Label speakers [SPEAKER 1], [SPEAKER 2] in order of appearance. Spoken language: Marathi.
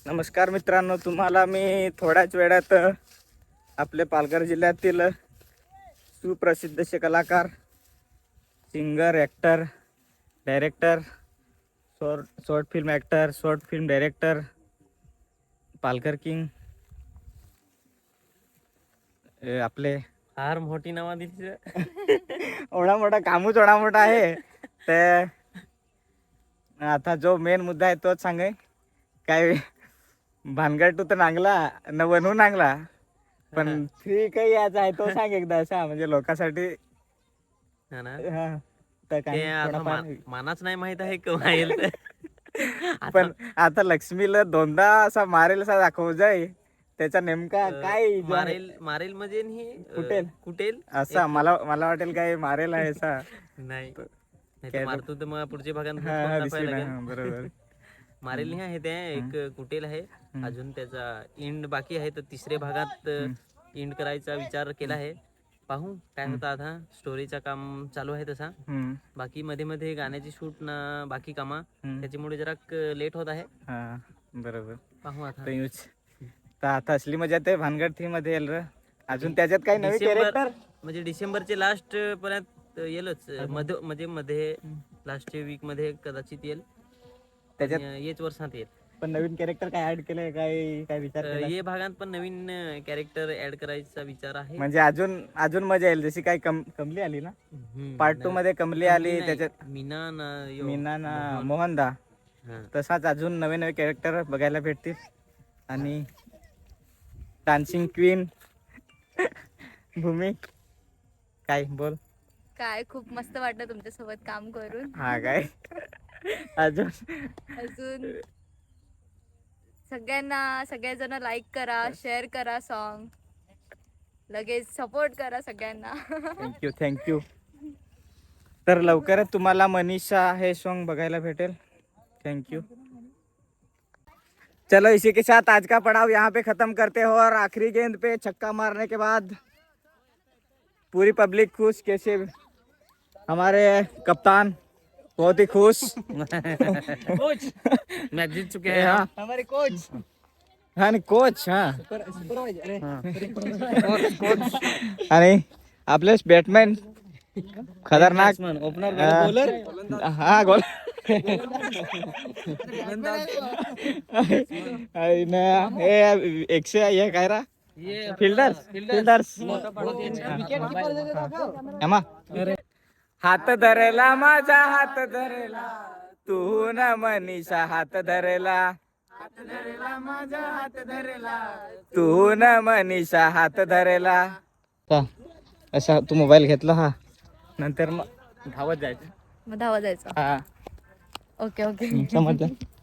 [SPEAKER 1] नमस्कार मित्रांनो, तुम्हाला मी थोड्याच वेळात आपले पालघर जिल्ह्यातील सुप्रसिद्ध असे कलाकार, singer, actor, director, short film actor, short film director, Palghar king आपले
[SPEAKER 2] फार मोठी नावा दिली.
[SPEAKER 1] एवढा मोठा कामच एवढा मोठा आहे. तर आता जो मेन मुद्दा आहे तोच सांगे. काय भानगड तू तर नांगला न बनवू नांगला, पण फ्री काही याचा आहे तो सांग एकदा असा, म्हणजे लोकांसाठी.
[SPEAKER 2] हा ना,
[SPEAKER 1] हा, तर
[SPEAKER 2] ते
[SPEAKER 1] काही
[SPEAKER 2] आता
[SPEAKER 1] थोडाफार
[SPEAKER 2] मानाच नाही माहित आहे केव्हा येईल ते.
[SPEAKER 1] पण आता लक्ष्मीला दोनदा असा मारेल असा दाखव जाय, त्याचा नेमका काय जो आहे
[SPEAKER 2] मारेल मारेल म्हणजे ही
[SPEAKER 1] कुटेल
[SPEAKER 2] कुटेल
[SPEAKER 1] असा मला वाटेल काय मारेल आहे असा.
[SPEAKER 2] नाही
[SPEAKER 1] तो
[SPEAKER 2] नाही तर
[SPEAKER 1] काय
[SPEAKER 2] मारतो तर मग पुढच्या भागात
[SPEAKER 1] हा
[SPEAKER 2] कोण
[SPEAKER 1] दिसली
[SPEAKER 2] दाखवायला
[SPEAKER 1] ना,
[SPEAKER 2] लागेल.
[SPEAKER 1] बरोबर.
[SPEAKER 2] मारेल नाही आहे ते, एक कुटेल आहे. अजून त्याचा इंड बाकी आहे, तर तिसऱ्या भागात इंड करायचा विचार केला आहे. पाहू काय होतं. आता स्टोरीचं काम चालू आहे तसा. बाकी मध्ये मध्ये गाण्याची शूट ना बाकी कामा, त्याच्यामुळे जरा लेट होत आहे.
[SPEAKER 1] हा बरोबर.
[SPEAKER 2] पाहू आता.
[SPEAKER 1] तर आता असली मजा ते भानगड थी मध्ये येईल र. अजून त्याच्यात काही नवीन कॅरेक्टर
[SPEAKER 2] म्हणजे डिसेंबरचे लास्ट पर्यंत येईलच. मध्ये लास्टच्या वीक मध्ये कदाचित येईल. त्याच्यात येच वर्षात येईल.
[SPEAKER 1] पण नवीन कॅरेक्टर काय ऍड केलंय, काय विचार केला?
[SPEAKER 2] ये भागात पण नवीन कॅरेक्टर ऍड करायचा विचार आहे.
[SPEAKER 1] म्हणजे अजून मजा येईल. जशी काही कमली आली ना पार्ट 2 मध्ये, कमली आली त्याच्यात,
[SPEAKER 2] मीना
[SPEAKER 1] ना मोहनदा, तसाच अजून नवे नवे कॅरेक्टर बघायला भेटतील. आणि डान्सिंग क्वीन भूमी, काय बोल.
[SPEAKER 3] काय खूप मस्त वाटलं तुमच्या सोबत काम करून.
[SPEAKER 1] हा काय अजून
[SPEAKER 3] सगळेजण लाईक करा, शेअर करा, सॉन्ग लगेच सपोर्ट करा सगळ्यांना.
[SPEAKER 1] थँक्यू. तर लवकरच तुम्हाला मनीषा हे सॉन्ग बघायला भेटेल. थँक्यू. चलो इसी के साथ आज का पड़ाव यहाँ पे खत्म करते हो, और आखिरी गेंद पे छक्का मारने के बाद पूरी पब्लिक खुश। कैसे हमारे कप्तान बहुत ही खुश।
[SPEAKER 2] कोच मैच जीत चुके हैं
[SPEAKER 1] हाँ
[SPEAKER 2] हमारे कोच.
[SPEAKER 1] हाँ नहीं कोच. हाँ आणि आपले बॅटमॅन खतरनाक
[SPEAKER 2] ओपनर
[SPEAKER 1] बॉलर. हा गोल हे 100 हे काय रा फिल्डर्स हात धरला माझा, हात धरला तू न मनीषा, हात धरला माझा, हात धरला तू न मनीषा, हात धरला. असा तू मोबाईल घेतला हा, नंतर मग धावत जायचं.
[SPEAKER 3] मग धावा जायचं.
[SPEAKER 1] हा
[SPEAKER 3] ओके
[SPEAKER 1] समजलं.